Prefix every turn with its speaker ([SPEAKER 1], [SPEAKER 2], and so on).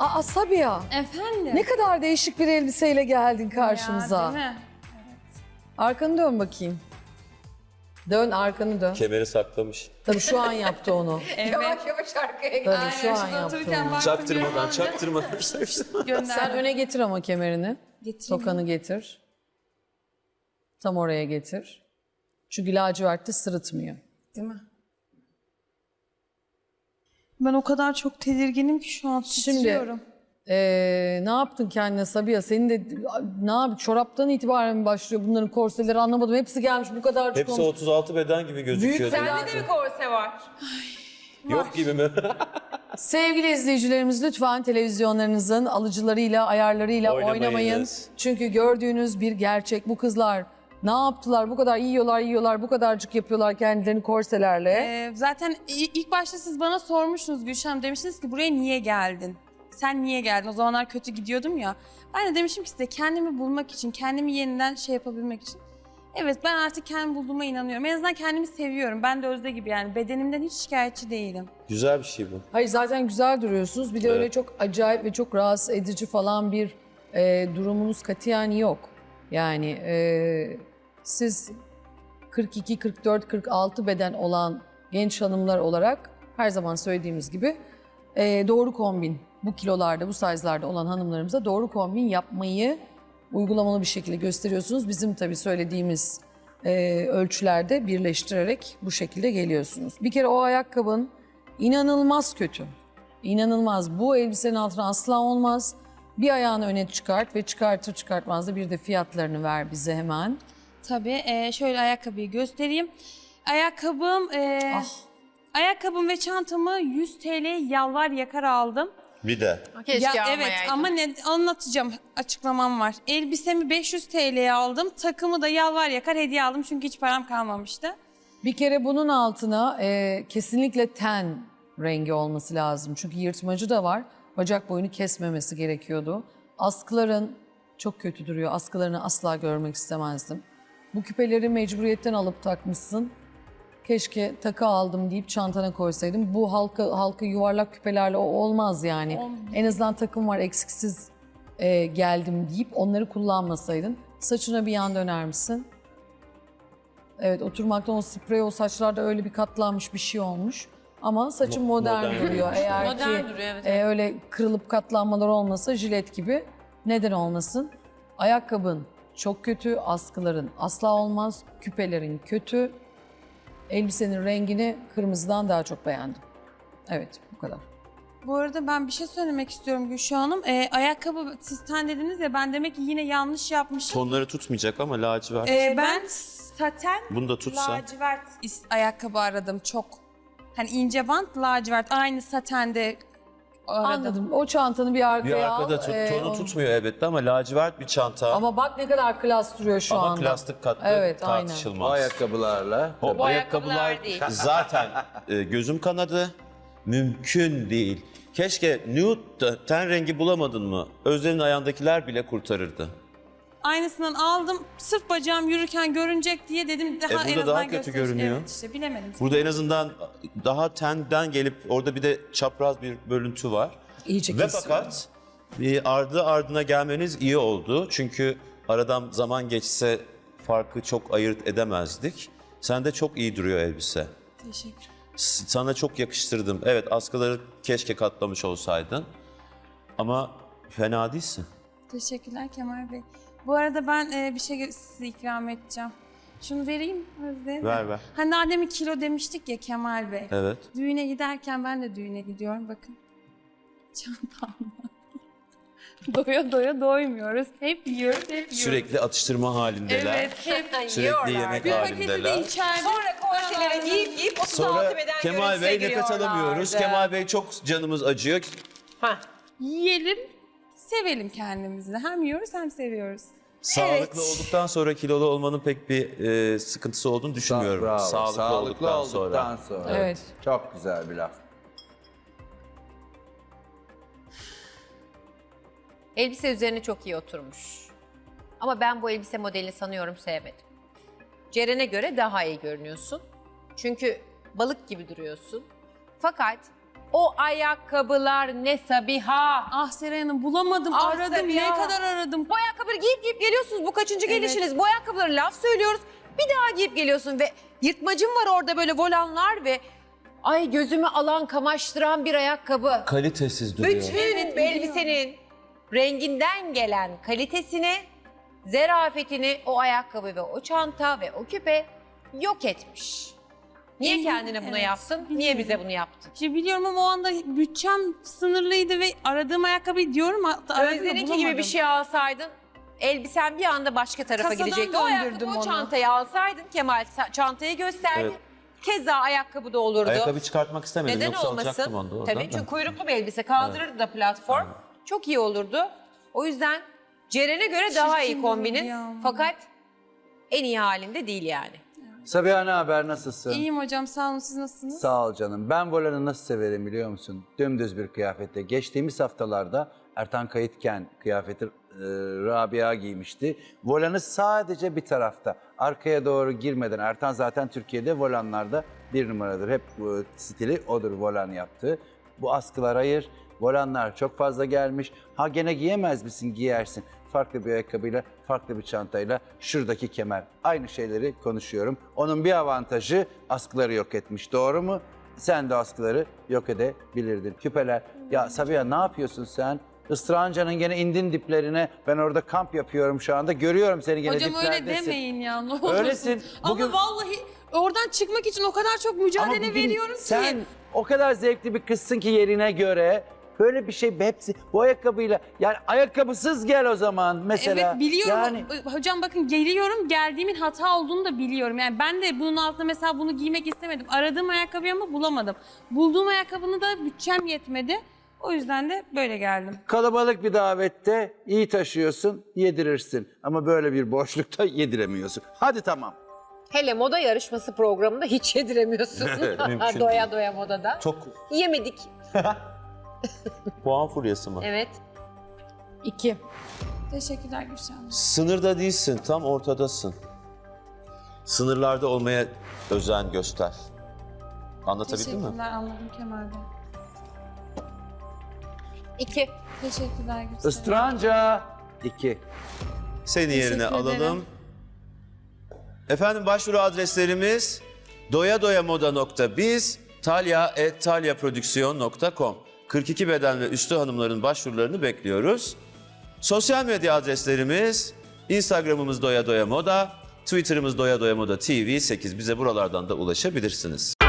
[SPEAKER 1] Aa Sabiha,
[SPEAKER 2] Efendim?
[SPEAKER 1] ne kadar değişik bir elbiseyle geldin karşımıza.
[SPEAKER 2] Ya, değil mi?
[SPEAKER 1] Arkanı dön bakayım. Dön, arkanı dön.
[SPEAKER 3] Kemeri saklamış.
[SPEAKER 1] Tabii şu an yaptı onu.
[SPEAKER 2] Evet.
[SPEAKER 4] Yavaş yavaş arkaya
[SPEAKER 1] Tabii
[SPEAKER 4] gidiyor.
[SPEAKER 1] şu an
[SPEAKER 2] Şurada
[SPEAKER 1] yaptı
[SPEAKER 2] otururken
[SPEAKER 1] onu.
[SPEAKER 2] baktım,
[SPEAKER 3] Çaktırmadan,
[SPEAKER 2] gördüm.
[SPEAKER 3] çaktırmadan.
[SPEAKER 2] Gönderdim.
[SPEAKER 1] Sen öne getir ama kemerini.
[SPEAKER 2] Getireyim.
[SPEAKER 1] Tokanı getir. Tam oraya getir. Çünkü lacivertte sırıtmıyor.
[SPEAKER 2] Değil mi? Ben o kadar çok tedirginim ki şu an
[SPEAKER 1] Şimdi
[SPEAKER 2] titriyorum.
[SPEAKER 1] ne yaptın kendine Sabiha? Senin de ne yap? Çoraptan itibaren mi başlıyor bunların korseleri anlamadım. Hepsi gelmiş bu kadar.
[SPEAKER 3] Hepsi 36 beden gibi gözüküyor.
[SPEAKER 1] Büyük
[SPEAKER 4] Sende de bir korse var.
[SPEAKER 3] Yok gibi mi?
[SPEAKER 1] Sevgili izleyicilerimiz lütfen televizyonlarınızın alıcılarıyla, ayarlarıyla oynamayın.
[SPEAKER 3] Oynamayınız.
[SPEAKER 1] Çünkü gördüğünüz bir gerçek. Bu kızlar ne yaptılar? Bu kadar yiyorlar, bu kadarcık yapıyorlar kendilerini korselerle.
[SPEAKER 2] Zaten ilk başta siz bana sormuştunuz Gülşen, demiştiniz ki buraya niye geldin? Sen niye geldin? O zamanlar kötü gidiyordum ya. Ben de demiştim ki size kendimi bulmak için, kendimi yeniden yapabilmek için. Evet, ben artık kendimi bulduğuma inanıyorum. En azından kendimi seviyorum. Ben de Özde gibi yani bedenimden hiç şikayetçi değilim.
[SPEAKER 3] Güzel bir şey bu.
[SPEAKER 1] Hayır zaten güzel duruyorsunuz. Bir de
[SPEAKER 3] Evet.
[SPEAKER 1] öyle çok acayip ve çok rahatsız edici falan bir durumunuz katiyen yok. Yani siz 42, 44, 46 beden olan genç hanımlar olarak her zaman söylediğimiz gibi doğru kombin, bu kilolarda, bu size'larda olan hanımlarımıza doğru kombin yapmayı uygulamalı bir şekilde gösteriyorsunuz. Bizim tabii söylediğimiz ölçülerde birleştirerek bu şekilde geliyorsunuz. Bir kere o ayakkabın inanılmaz kötü. İnanılmaz. Bu elbisenin altına asla olmaz. Bir ayağını öne çıkart ve çıkartır çıkartmaz da bir de fiyatlarını ver bize hemen.
[SPEAKER 2] Tabii şöyle ayakkabıyı göstereyim. Ayakkabım, ayakkabım ve çantamı 100 TL yalvar yakar aldım.
[SPEAKER 3] Bir de.
[SPEAKER 4] Keşke
[SPEAKER 2] Ya evet
[SPEAKER 4] almayaydın.
[SPEAKER 2] ama ne anlatacağım, açıklamam var. Elbisemi 500 TL'ye aldım. Takımı da yalvar yakar hediye aldım çünkü hiç param kalmamıştı.
[SPEAKER 1] Bir kere bunun altına kesinlikle ten rengi olması lazım. Çünkü yırtmacı da var. Bacak boyunu kesmemesi gerekiyordu. Askıların çok kötü duruyor. Askılarını asla görmek istemezdim. Bu küpeleri mecburiyetten alıp takmışsın. Keşke takı aldım deyip çantana koysaydım. Bu halka yuvarlak küpelerle o olmaz yani. En azından takım var eksiksiz geldim deyip onları kullanmasaydın. Saçına bir yan döner misin? Evet, oturmaktan o sprey, o saçlarda öyle bir katlanmış bir şey olmuş. Ama saçın modern
[SPEAKER 3] modern
[SPEAKER 1] duruyor.
[SPEAKER 3] durmuş.
[SPEAKER 1] Eğer
[SPEAKER 4] Modern
[SPEAKER 1] ki
[SPEAKER 4] duruyor, evet.
[SPEAKER 1] öyle kırılıp katlanmalar olmasa jilet gibi neden olmasın? Ayakkabın çok kötü, askıların asla olmaz, küpelerin kötü. Elbisenin rengini kırmızıdan daha çok beğendim. Evet, bu kadar.
[SPEAKER 2] Bu arada ben bir şey söylemek istiyorum Gülşah Hanım. Ayakkabı siz ten dediniz ya, ben demek ki yine yanlış yapmışım.
[SPEAKER 3] Tonları tutmayacak ama lacivert.
[SPEAKER 2] Ben saten
[SPEAKER 3] Bunu da tutsa.
[SPEAKER 2] lacivert ayakkabı aradım çok. Hani ince bant lacivert aynı satende aradım.
[SPEAKER 1] Anladım. O çantanı bir arkaya
[SPEAKER 3] Bir
[SPEAKER 1] al.
[SPEAKER 3] arkada tonu
[SPEAKER 1] onu-
[SPEAKER 3] tutmuyor elbette ama lacivert bir çanta.
[SPEAKER 1] Ama bak ne kadar klas duruyor şu
[SPEAKER 3] Ama
[SPEAKER 1] anda.
[SPEAKER 3] plastik katlı
[SPEAKER 1] Evet, aynen.
[SPEAKER 3] tartışılmaz.
[SPEAKER 5] O ayakkabılarla.
[SPEAKER 3] O
[SPEAKER 4] Bu
[SPEAKER 3] ayakkabılar
[SPEAKER 4] ayakkabılar değil.
[SPEAKER 3] zaten gözüm kanadı. Mümkün değil. Keşke nude ten rengi bulamadın mı? Özlem'in ayağındakiler bile kurtarırdı.
[SPEAKER 2] Aynısından aldım. Sırf bacağım yürürken görünecek diye dedim daha
[SPEAKER 3] burada
[SPEAKER 2] en
[SPEAKER 3] daha
[SPEAKER 2] azından
[SPEAKER 3] kötü
[SPEAKER 2] gösterir.
[SPEAKER 3] görünüyor.
[SPEAKER 2] Evet işte bilemedim.
[SPEAKER 3] Burada en azından daha tenden gelip orada bir de çapraz bir bölüntü var.
[SPEAKER 1] İyice
[SPEAKER 3] Ve
[SPEAKER 1] kesiyor.
[SPEAKER 3] fakat bir ardı ardına gelmeniz iyi oldu. Çünkü aradan zaman geçse farkı çok ayırt edemezdik. Sende çok iyi duruyor elbise.
[SPEAKER 2] Teşekkür.
[SPEAKER 3] Sana çok yakıştırdım. Evet, askıları keşke katlamış olsaydın. Ama fena değilsin.
[SPEAKER 2] Teşekkürler Kemal Bey. Bu arada ben bir şey size ikram edeceğim. Şunu vereyim Özde.
[SPEAKER 3] Ver ver.
[SPEAKER 2] Hani daha demin kilo demiştik ya Kemal Bey.
[SPEAKER 3] Evet.
[SPEAKER 2] Düğüne giderken ben de düğüne gidiyorum bakın. Çantamla. Doya doya doymuyoruz. Hep yiyoruz, hep yiyoruz.
[SPEAKER 3] Sürekli atıştırma halindeler.
[SPEAKER 2] Evet, hep.
[SPEAKER 3] Sürekli yemek
[SPEAKER 2] Bir paketi de
[SPEAKER 3] halindeler.
[SPEAKER 2] içeride.
[SPEAKER 4] Sonra korselere giyip 36
[SPEAKER 3] Sonra
[SPEAKER 4] beden
[SPEAKER 3] Kemal Bey nefes alamıyoruz. Kemal Bey çok canımız acıyor.
[SPEAKER 2] Yiyelim, sevelim kendimizi. Hem yiyoruz hem seviyoruz.
[SPEAKER 3] Sağlıklı olduktan sonra kilolu olmanın pek bir sıkıntısı olduğunu düşünmüyorum.
[SPEAKER 5] Bravo.
[SPEAKER 3] Sağlıklı olduktan sonra.
[SPEAKER 1] Evet.
[SPEAKER 5] Çok güzel bir laf.
[SPEAKER 4] Elbise üzerine çok iyi oturmuş. Ama ben bu elbise modelini sanıyorum sevmedim. Ceren'e göre daha iyi görünüyorsun. Çünkü balık gibi duruyorsun. Fakat
[SPEAKER 6] O ayakkabılar ne Sabiha.
[SPEAKER 2] Ah Seray Hanım bulamadım,
[SPEAKER 6] Ah
[SPEAKER 2] aradım,
[SPEAKER 6] Sabiha.
[SPEAKER 2] ne kadar aradım.
[SPEAKER 6] Bu ayakkabıları giyip geliyorsunuz. Bu kaçıncı
[SPEAKER 2] Evet.
[SPEAKER 6] gelişiniz? Bu ayakkabıları laf söylüyoruz. Bir daha giyip geliyorsun ve yırtmacın var orada böyle volanlar ve ay gözümü alan kamaştıran bir ayakkabı.
[SPEAKER 3] Kalitesiz duruyor.
[SPEAKER 6] Bütün
[SPEAKER 2] Evet,
[SPEAKER 6] elbisenin renginden gelen kalitesini, zerafetini o ayakkabı ve o çanta ve o küpe yok etmiş. Niye
[SPEAKER 2] İyi,
[SPEAKER 6] kendine bunu
[SPEAKER 2] evet,
[SPEAKER 6] yaptın? Niye
[SPEAKER 2] biliyorum.
[SPEAKER 6] bize bunu yaptın?
[SPEAKER 2] İşte biliyorum ama o anda bütçem sınırlıydı ve aradığım ayakkabıyı diyorum. Aradım da
[SPEAKER 6] Özden'inki gibi bir
[SPEAKER 2] bulamadım.
[SPEAKER 6] şey alsaydın elbisen bir anda başka tarafa
[SPEAKER 2] Kasadan
[SPEAKER 6] gidecekti. O ayakkabı,
[SPEAKER 2] döndürdüm
[SPEAKER 6] o
[SPEAKER 2] onu.
[SPEAKER 6] çantayı alsaydın Kemal çantayı gösterdi.
[SPEAKER 3] Evet.
[SPEAKER 6] Keza ayakkabı da olurdu.
[SPEAKER 3] Ayakkabı çıkartmak istemedim.
[SPEAKER 6] Neden
[SPEAKER 3] Yoksa
[SPEAKER 6] olmasın?
[SPEAKER 3] alacaktım onu da oradan
[SPEAKER 6] Tabii
[SPEAKER 3] da.
[SPEAKER 6] çünkü kuyruklu bir elbise kaldırırdı da platform. Çok iyi olurdu. O yüzden Ceren'e göre daha iyi
[SPEAKER 2] Çirkin
[SPEAKER 6] kombinin.
[SPEAKER 2] durdu ya.
[SPEAKER 6] Fakat en iyi halinde değil yani.
[SPEAKER 5] Sabiha ne haber, nasılsın?
[SPEAKER 2] İyiyim hocam, sağ olun, siz nasılsınız?
[SPEAKER 5] Sağ ol canım. Ben volanı nasıl severim biliyor musun? Dümdüz bir kıyafette. Geçtiğimiz haftalarda Ertan Kayıtken kıyafeti Rabia giymişti. Volanı sadece bir tarafta. Arkaya doğru girmeden. Ertan zaten Türkiye'de volanlarda bir numaradır. Hep bu stili odur volan yaptığı. Bu askılar hayır. Volanlar çok fazla gelmiş. Ha gene giyemez misin? Giyersin. Farklı bir ayakkabıyla, farklı bir çantayla, şuradaki kemer. Aynı şeyleri konuşuyorum. Onun bir avantajı askıları yok etmiş. Doğru mu? Sen de askıları yok edebilirdin. Küpeler. Ya Sabiha ne yapıyorsun sen? Istıranca'nın gene indin diplerine. Ben orada kamp yapıyorum şu anda. Görüyorum seni gene
[SPEAKER 2] Hocam öyle
[SPEAKER 5] diplerdesin.
[SPEAKER 2] demeyin ya, ne olursun.
[SPEAKER 5] Öylesin. Bugün-
[SPEAKER 2] Ama vallahi oradan çıkmak için o kadar çok mücadele
[SPEAKER 5] bugün
[SPEAKER 2] veriyorum
[SPEAKER 5] sen
[SPEAKER 2] ki.
[SPEAKER 5] o kadar zevkli bir kızsın ki yerine göre. Böyle bir şey hepsi bu ayakkabıyla, yani ayakkabısız gel o zaman mesela.
[SPEAKER 2] Evet biliyorum.
[SPEAKER 5] Yani
[SPEAKER 2] Hocam bakın geliyorum, geldiğimin hata olduğunu da biliyorum. Yani ben de bunun altına mesela bunu giymek istemedim. Aradığım ayakkabıyı ama bulamadım. Bulduğum ayakkabını da bütçem yetmedi. O yüzden de böyle geldim.
[SPEAKER 5] kalabalık bir davette iyi taşıyorsun, yedirirsin. Ama böyle bir boşlukta yediremiyorsun. Hadi tamam.
[SPEAKER 6] Hele moda yarışması programında hiç yediremiyorsun.
[SPEAKER 3] Mümkün
[SPEAKER 6] doya
[SPEAKER 3] değil.
[SPEAKER 6] doya modada.
[SPEAKER 3] Çok
[SPEAKER 6] Yemedik.
[SPEAKER 3] puan furyası mı?
[SPEAKER 6] Evet.
[SPEAKER 1] 2.
[SPEAKER 2] Teşekkürler Gülşen Hanım.
[SPEAKER 3] Sınırda değilsin, tam ortadasın. Sınırlarda olmaya özen göster. Anlatabildim mi?
[SPEAKER 2] Teşekkürler, anladım Kemal Bey.
[SPEAKER 6] 2.
[SPEAKER 2] Teşekkürler Gülşen.
[SPEAKER 5] Istranca 2.
[SPEAKER 3] Seni yerine
[SPEAKER 2] Teşekkür
[SPEAKER 3] alalım.
[SPEAKER 2] ederim.
[SPEAKER 3] Efendim başvuru adreslerimiz doyadoyamoda.biz, talya@talyaprodüksiyon.com. 42 beden ve üstü hanımların başvurularını bekliyoruz. Sosyal medya adreslerimiz Instagram'ımız doyadoyamoda, Twitter'ımız doyadoyamoda TV 8. Bize buralardan da ulaşabilirsiniz.